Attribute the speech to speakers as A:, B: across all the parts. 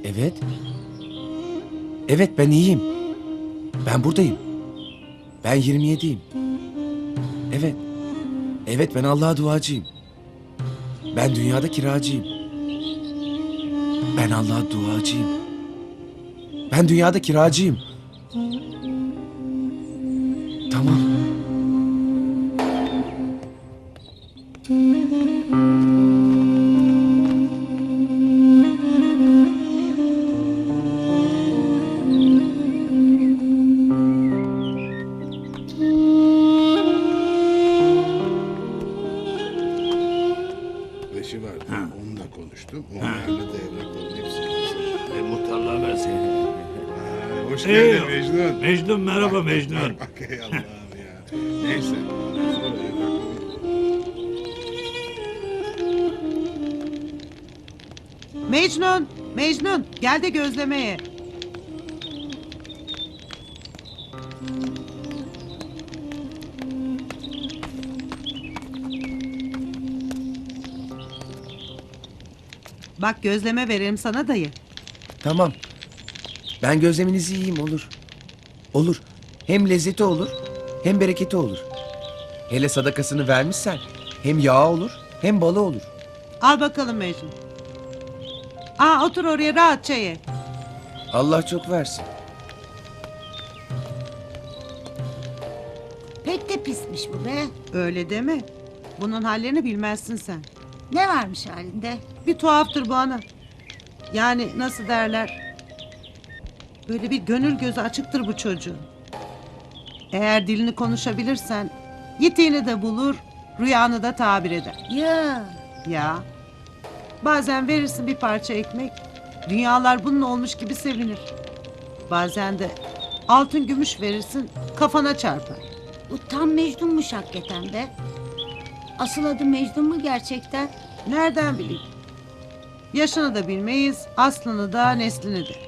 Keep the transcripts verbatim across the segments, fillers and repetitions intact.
A: Evet. Evet, ben iyiyim. Ben buradayım. Ben yirmi yediyim. Evet. Evet, ben Allah'a duacıyım. Ben dünyada kiracıyım. Ben Allah'a duacıyım. Ben dünyada kiracıyım. Tamam.
B: Beşi vardı. Onunla konuştum. Onlarla da evrakların hepsini hazır.
C: E, muhtarlığa verseydim.
B: Ha, hoş
C: Ee,
B: geldin Mecnun.
C: Mecnun merhaba Mecnun.
B: Bak ey Allah'ım ya. Neyse. Sonra evrakları...
D: Mecnun, Mecnun gel de gözlemeye. Bak gözleme verelim sana dayı.
A: Tamam. Ben gözleminizi yiyeyim, olur. Olur. Hem lezzeti olur, hem bereketi olur. Hele sadakasını vermişsen hem yağı olur, hem balı olur.
D: Al bakalım Mecnun. Aa otur oraya rahatça ye.
A: Allah çok versin.
E: Pek de pismiş bu be.
D: Öyle deme. Bunun hallerini bilmezsin sen.
E: Ne varmış halinde?
D: Bir tuhaftır bu ana. Yani nasıl derler? Böyle bir gönül gözü açıktır bu çocuğun. Eğer dilini konuşabilirsen yitiğini de bulur, rüyanı da tabir eder.
E: Ya
D: Ya bazen verirsin bir parça ekmek, dünyalar bunun olmuş gibi sevinir. Bazen de altın gümüş verirsin, kafana çarpar.
E: bu tam Mecnun'muş hakikaten be. Asıl adı Mecnun mu gerçekten?
D: Nereden bileyim? Yaşını da bilmeyiz, aslını da neslini de.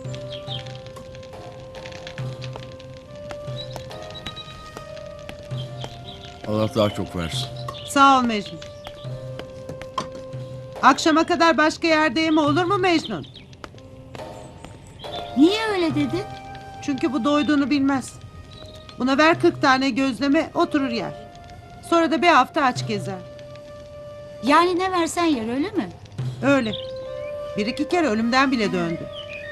F: Allah daha çok versin.
D: Sağ ol Mecnun. Akşama kadar başka yerde yeme olur mu Mecnun?
E: Niye öyle dedin?
D: Çünkü bu doyduğunu bilmez. Buna ver kırk tane gözleme oturur yer. Sonra da bir hafta aç gezer.
E: Yani ne versen yer öyle mi?
D: Öyle. Bir iki kere ölümden bile döndü.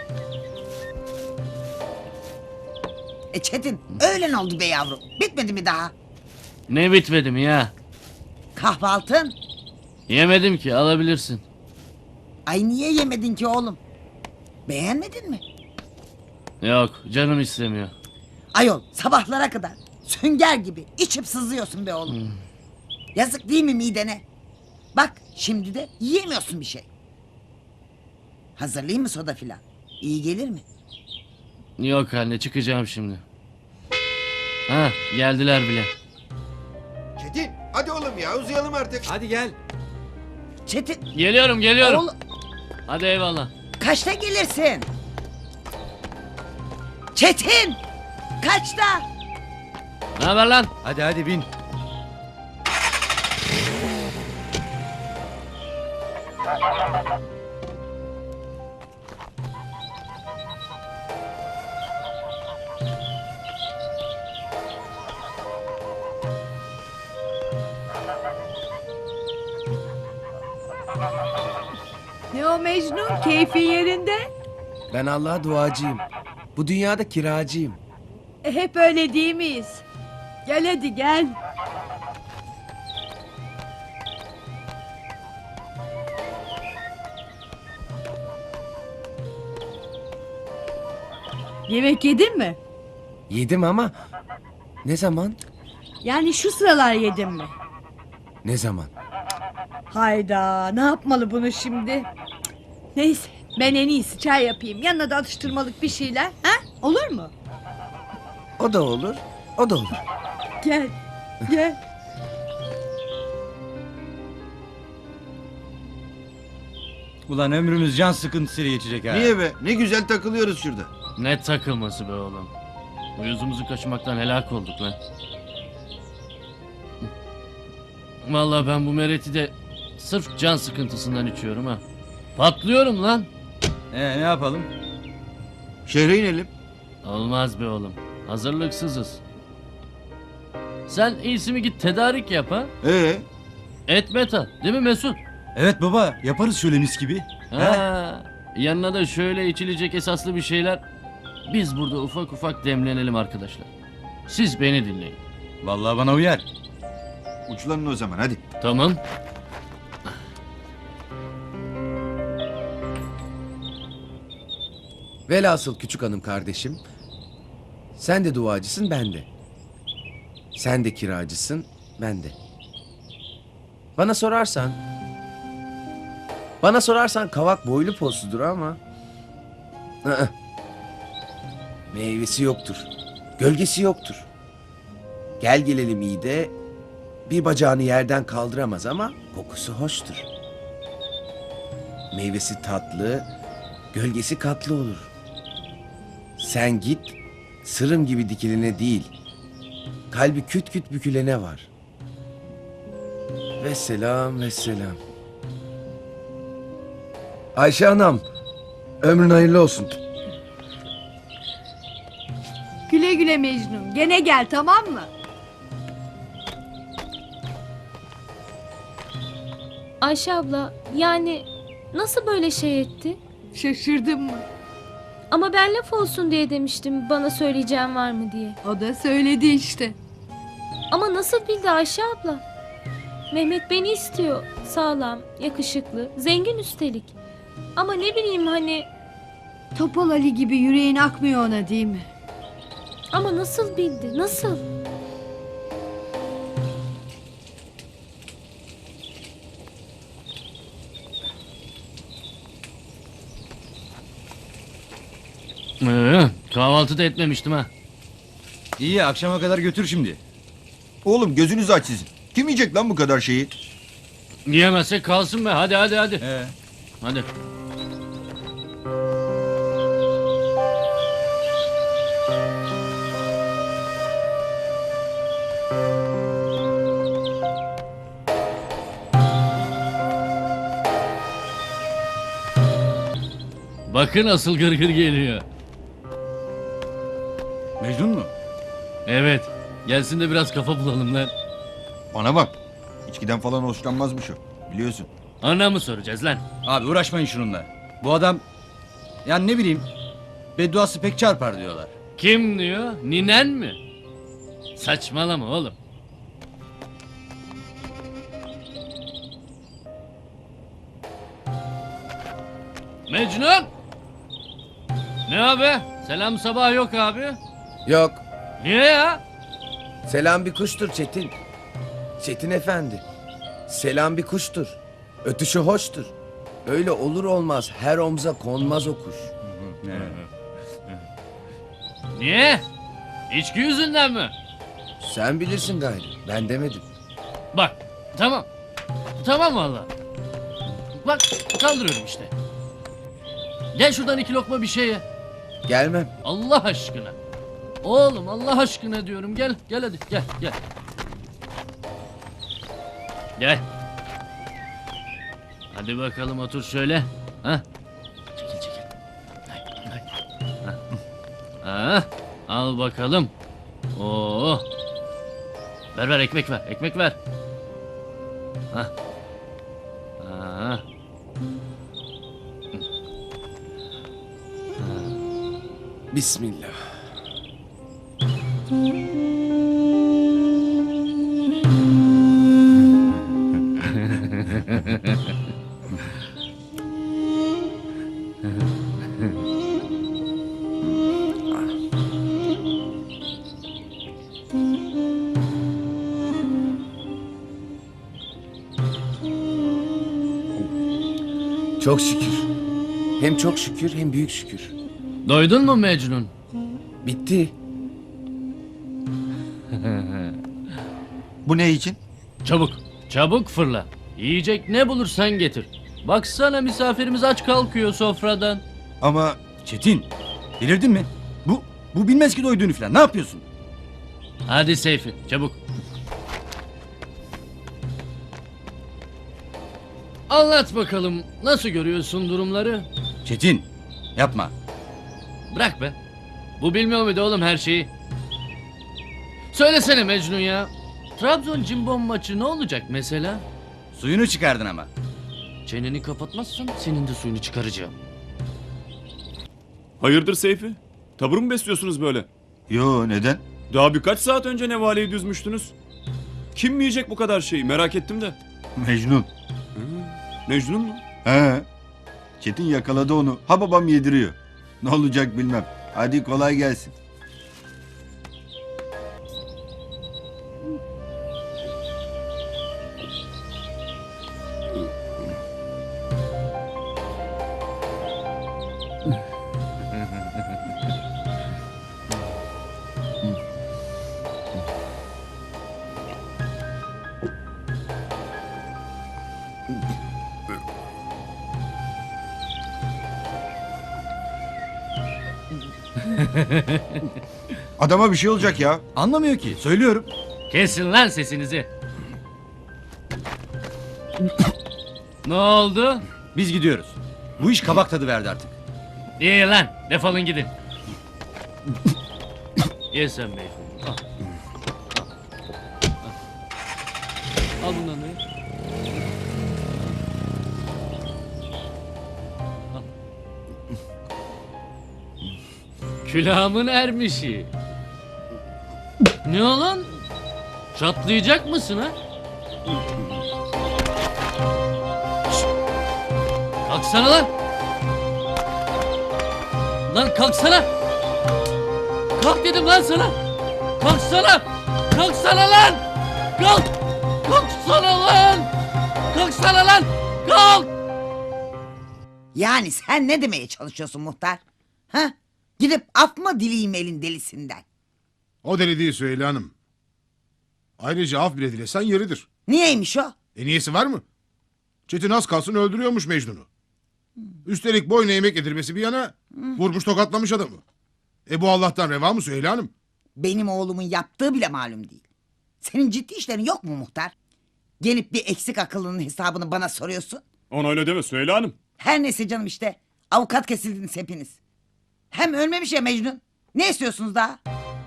G: E Çetin öğlen oldu be yavrum. Bitmedi mi daha?
H: Ne bitmedim ya?
G: Kahvaltın?
H: Yemedim ki, alabilirsin.
G: Ay niye yemedin ki oğlum? Beğenmedin mi?
H: Yok, canım istemiyor.
G: Ayol sabahlara kadar sünger gibi içip sızıyorsun be oğlum. Yazık değil mi midene? Bak şimdi de yiyemiyorsun bir şey. Hazırlayayım mı soda filan? İyi gelir mi?
H: Yok anne, çıkacağım şimdi. Ha, geldiler bile.
I: Çetin hadi oğlum ya uzayalım artık.
F: Hadi gel.
G: Çetin
H: Geliyorum, geliyorum.
G: oğlum
H: Hadi eyvallah.
G: kaçta gelirsin? Çetin kaçta?
H: Ne haber lan?
F: Hadi hadi bin.
J: Ne o Mecnun? Keyfin yerinde?
A: Ben Allah'a duacıyım. Bu dünyada kiracıyım.
J: E, hep öyle değil miyiz? Gel hadi gel. Yemek yedin mi?
A: Yedim ama ne zaman?
J: Yani şu sıralar yedin mi?
A: Ne zaman?
J: Hayda, ne yapmalı bunu şimdi? Neyse, ben en iyisi çay yapayım. Yanına da atıştırmalık bir şeyler. Ha? Olur mu?
A: O da olur, o da olur.
J: Gel, gel.
F: Ulan ömrümüz can sıkıntısıyla geçecek ha.
I: Niye be? Ne güzel takılıyoruz şurada.
H: Ne takılması be oğlum. Uyuzumuzu kaçırmaktan helak olduk lan. Vallahi ben bu mereti de sırf can sıkıntısından içiyorum ha. Patlıyorum lan.
F: Ee, ne yapalım?
I: Şehre inelim.
H: Olmaz be oğlum. Hazırlıksızız. Sen iyisi mi git tedarik yap ha?
I: Ee,
H: Et meta değil mi Mesut?
F: Evet baba, yaparız şöyle mis gibi.
H: Ha, yanına da şöyle içilecek esaslı bir şeyler. Biz burada ufak ufak demlenelim arkadaşlar. Siz beni dinleyin.
F: Vallahi bana uyar.
I: uçlanın o zaman hadi.
H: Tamam.
A: Velhasıl küçük hanım kardeşim. Sen de duacısın, ben de. Sen de kiracısın, ben de. Bana sorarsan... Bana sorarsan kavak boylu posludur ama... ı-ı. Meyvesi yoktur. Gölgesi yoktur. Gel gelelim iyi de... Bir bacağını yerden kaldıramaz ama kokusu hoştur. Meyvesi tatlı, gölgesi katlı olur. Sen git, sırım gibi dikilene değil, kalbi küt küt bükülene var. Vesselam, vesselam. Ayşe anam, ömrün hayırlı olsun.
J: Güle güle Mecnun. Gene gel, tamam mı?
K: Ayşe abla, yani nasıl böyle şey etti?
J: Şaşırdın mı?
K: Ama ben laf olsun diye demiştim, bana söyleyeceğim var mı diye.
J: O da söyledi işte.
K: Ama nasıl bildi Ayşe abla? Mehmet beni istiyor. Sağlam, yakışıklı, zengin üstelik. Ama ne bileyim hani...
J: Topal Ali gibi yüreğin akmıyor ona, değil mi?
K: Ama nasıl bildi, nasıl?
H: Ee, kahvaltı da etmemiştim ha.
F: İyi, akşama kadar götür şimdi.
I: Oğlum gözünüzü aç sizin. Kim yiyecek lan bu kadar şeyi?
H: Yiyemezsek kalsın be. Hadi hadi hadi.
F: Ee,
H: Hadi. Bakın asıl gırgır geliyor.
F: Mecnun mu?
H: Evet. Gelsin de biraz kafa bulalım lan.
I: Bana bak. İçkiden falan hoşlanmazmış o. Biliyorsun.
H: Ana mı soracağız lan?
F: Abi uğraşmayın şununla. Bu adam, yani ne bileyim, bedduası pek çarpar diyorlar.
H: Kim diyor? Ninen mi? Saçmalama oğlum. Mecnun! Ne abi? Selam sabah yok abi.
A: Yok,
H: Niye ya?
A: selam bir kuştur Çetin. Çetin efendi. Selam bir kuştur. Ötüşü hoştur. Öyle olur olmaz her omza konmaz o kuş.
H: Niye? İçki yüzünden mi?
A: Sen bilirsin gayrı. Ben demedim.
H: Bak tamam. Tamam valla. Bak kaldırıyorum işte. Gel şuradan iki lokma bir şey ye.
A: Gelmem.
H: Allah aşkına. Oğlum Allah aşkına diyorum. Gel gel hadi gel gel. Gel. Hadi bakalım otur şöyle. Ha? Çekil çekil. Hay, hay. Ha. Ha. Al bakalım. Oo. Ver ver ekmek ver. Ekmek ver. Ha. Ha.
A: Bismillah. Çok şükür. Hem çok şükür hem büyük şükür.
H: Doydun mu Mecnun?
A: Bitti.
I: Bu ne için?
H: Çabuk, çabuk fırla. Yiyecek ne bulursan getir. Baksana misafirimiz aç kalkıyor sofradan.
I: Ama
F: Çetin, delirdin mi? Bu, bu bilmez ki doyduğunu falan. Ne yapıyorsun?
H: Hadi Seyfi, çabuk. Anlat bakalım, nasıl görüyorsun durumları?
F: Çetin, Yapma.
H: Bırak be. Bu bilmiyor muydu oğlum her şeyi? Söylesene Mecnun ya. Trabzon Cimbom maçı ne olacak mesela?
F: Suyunu çıkardın ama.
H: Çeneni kapatmazsan senin de suyunu çıkaracağım.
L: Hayırdır Seyfi? Tavır mı besliyorsunuz böyle?
F: Yo, neden?
L: Daha birkaç saat önce nevaleyi düzmüştünüz. Kim mi yiyecek bu kadar şeyi merak ettim de.
F: Mecnun.
L: Mecnun mu?
F: He. Çetin yakaladı onu. Ha babam yediriyor. Ne olacak bilmem. Hadi kolay gelsin.
I: Adama bir şey olacak ya.
F: Anlamıyor ki. Söylüyorum.
H: Kesin lan sesinizi. Ne oldu?
F: Biz gidiyoruz. Bu iş kabak tadı verdi artık.
H: İyi lan defolun gidin. Ye sen beyefendi. Al. Al. Al bundan da ye. Al. Külahımın ermişi. Ne olan? Çatlayacak mısın ha? Şşt! Kalksana lan! Lan kalksana! Kalk dedim lan sana! Kalksana! Kalksana lan! Kalk! Kalksana lan! Kalksana lan! Kalk!
G: Yani sen ne demeye çalışıyorsun muhtar? Ha? Gidip af mı dileyim elin delisinden?
B: O deli değil Süheyla Hanım. Ayrıca af bile dilesen yeridir.
G: Niyeymiş o?
B: E niyesi var mı? Çetin az kalsın öldürüyormuş Mecnun'u. Üstelik boyuna yemek yedirmesi bir yana vurmuş tokatlamış adamı. E bu Allah'tan reva mı Süheyla Hanım?
G: Benim oğlumun yaptığı bile malum değil. Senin ciddi işlerin yok mu muhtar? Gelip bir eksik akıllının hesabını bana soruyorsun.
L: Ona öyle deme Süheyla Hanım.
G: Her neyse canım işte. Avukat kesildiniz hepiniz. Hem ölmemiş ya Mecnun. Ne istiyorsunuz daha?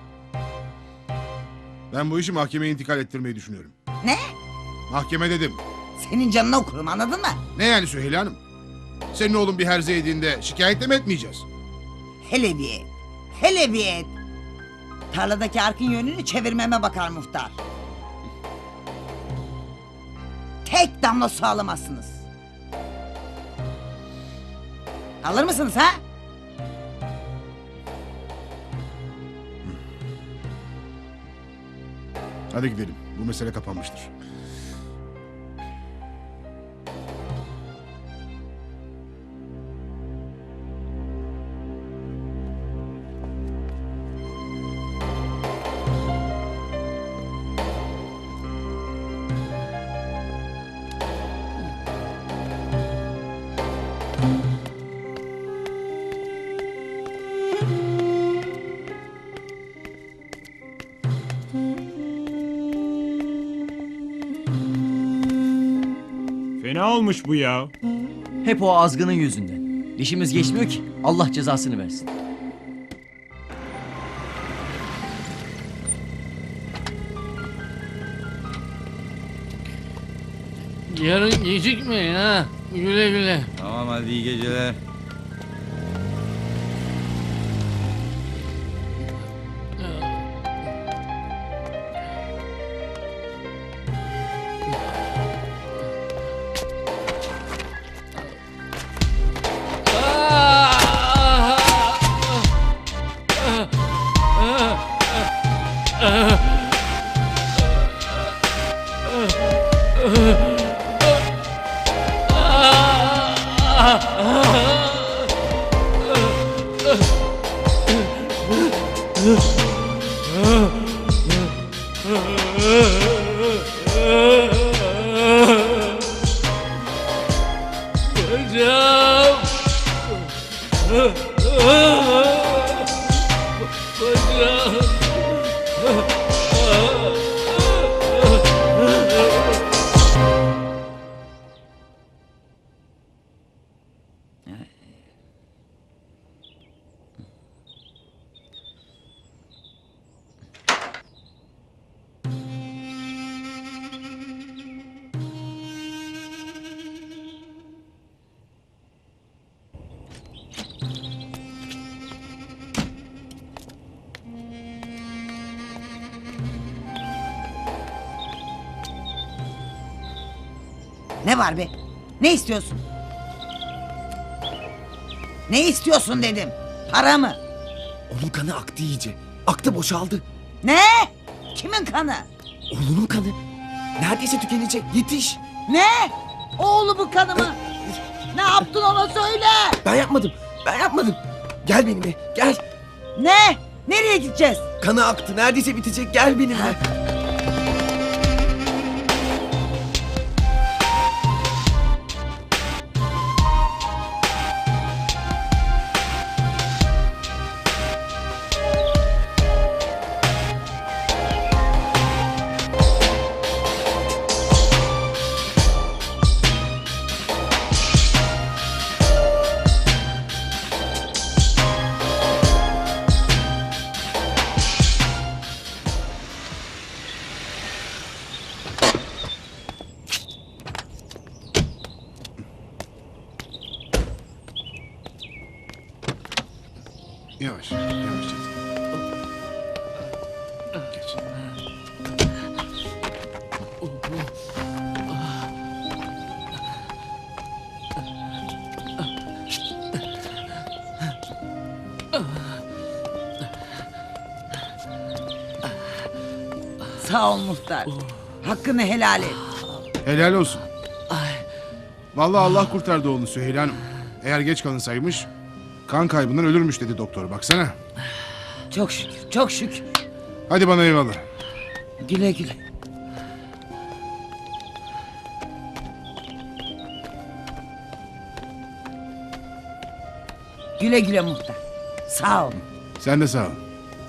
B: Ben bu işi mahkemeye intikal ettirmeyi düşünüyorum.
G: Ne?
B: Mahkeme dedim.
G: Senin canını okurum anladın mı?
B: Ne yani Süheyla Hanım? Senin oğlun bir herze yediğinde şikayet de mi etmeyeceğiz?
G: Hele bir et. Hele bir et. Tarladaki arkın yönünü çevirmeme bakar muhtar. Tek damla su alamazsınız. Alır mısınız ha?
B: Hadi gidelim. Bu mesele kapanmıştır.
C: Fena olmuş bu ya.
F: Hep o azgının yüzünden. Dişimiz geçmiyor ki. Allah cezasını versin.
H: Yarın gecikmeyin ha. Güle güle.
F: Tamam hadi iyi geceler.
H: Bacağım. Bacağım.
G: Ne var be? Ne istiyorsun? Ne istiyorsun dedim. Para mı?
A: Onun kanı aktı iyice. Aktı, boşaldı.
G: Ne? Kimin kanı?
A: Oğlunun kanı. Neredeyse tükenecek. Yetiş.
G: Ne? Oğlumun kanı mı? Ne yaptın ona söyle.
A: Ben yapmadım. Ben yapmadım. Gel benimle. Gel.
G: Ne? Nereye gideceğiz?
A: Kanı aktı. Neredeyse bitecek. Gel benimle.
B: Yavaş, yavaş Çetin. Geç.
G: Sağ ol muhtar. Hakkını helal et.
B: Helal olsun. Vallahi Allah kurtardı oğlunu Süheyla Hanım. Eğer geç kalınsaymış kan kaybından ölürmüş dedi doktor, baksana.
G: Çok şükür, çok şükür.
B: Hadi bana eyvallah.
G: Güle güle. Güle güle muhtar. Sağ ol.
B: Sen de sağ ol.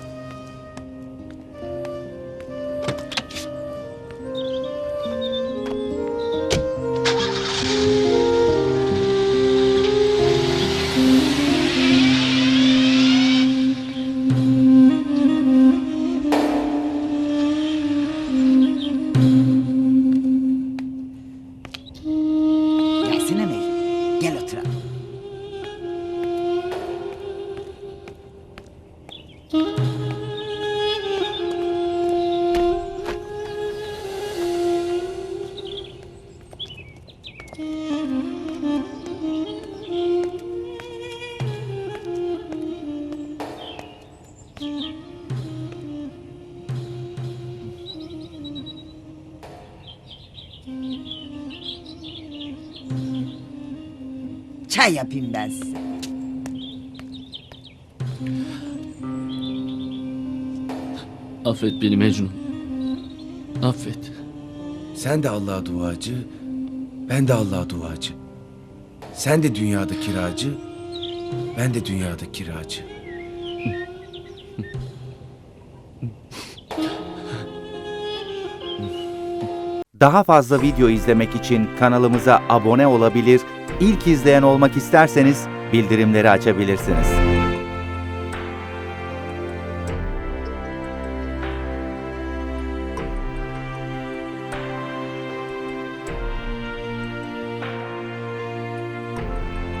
G: Gelsene Mey. Gel oturalım. Çay yapayım ben size.
H: Affet beni Mecnun. Affet.
A: Sen de Allah'a duacı. Ben de Allah'a duacı. Sen de dünyada kiracı. Ben de dünyada kiracı.
M: Daha fazla video izlemek için kanalımıza abone olabilir, ilk izleyen olmak isterseniz bildirimleri açabilirsiniz.